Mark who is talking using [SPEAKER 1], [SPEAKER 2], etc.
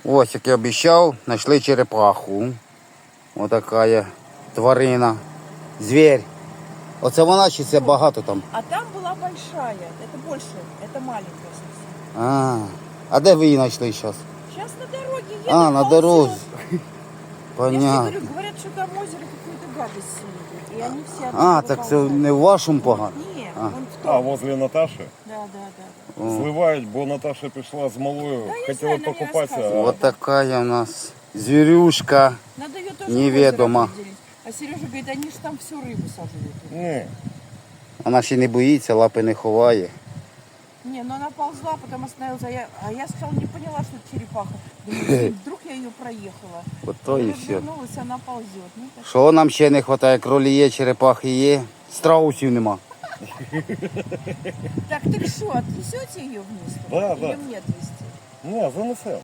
[SPEAKER 1] Ось, як я обіцяв, знайшли черепаху. Ось така тварина. Звір. Оце вона чи це багато там?
[SPEAKER 2] А там была большая, это больше, это маленькая совсем.
[SPEAKER 1] А де ви її знайшли зараз?
[SPEAKER 2] Сейчас на дороге едет.
[SPEAKER 1] На
[SPEAKER 2] ползет.
[SPEAKER 1] дорозі.
[SPEAKER 2] Я тебе
[SPEAKER 1] Понятно.
[SPEAKER 2] говорю, говорят, что там в озере какую-то гадость съели. И они все
[SPEAKER 1] Так це не в вашому погано?
[SPEAKER 2] Нет,
[SPEAKER 1] А.
[SPEAKER 2] вон в том.
[SPEAKER 3] возле Наташи
[SPEAKER 2] Да.
[SPEAKER 3] зливають, бо Наташа прийшла з малою,
[SPEAKER 2] Да, я
[SPEAKER 3] хотіла
[SPEAKER 2] знаю, она мне
[SPEAKER 3] покупатися.
[SPEAKER 2] рассказывала.
[SPEAKER 1] Ось така у нас звірюшка.
[SPEAKER 2] Надо ее тоже
[SPEAKER 1] Неведомо.
[SPEAKER 2] в озеро выделить. А Сережа говорит, они же там всю рыбу сожрут.
[SPEAKER 3] Ні,
[SPEAKER 1] Вона ще не боїться, лапи не ховає.
[SPEAKER 2] Не, ну она ползла, потом остановилась. А я сначала не поняла, что это черепаха. Думаю, вдруг я ее проехала.
[SPEAKER 1] Ото і все.
[SPEAKER 2] Развернулась, она ползет. Ну, так.
[SPEAKER 1] Що нам ще не вистачає? Кролі є, черепахи є, страусів нема.
[SPEAKER 2] Так что, отнесете ее вниз?
[SPEAKER 3] Да,
[SPEAKER 2] Или
[SPEAKER 3] да.
[SPEAKER 2] мне отвезти?
[SPEAKER 3] ні, занесе.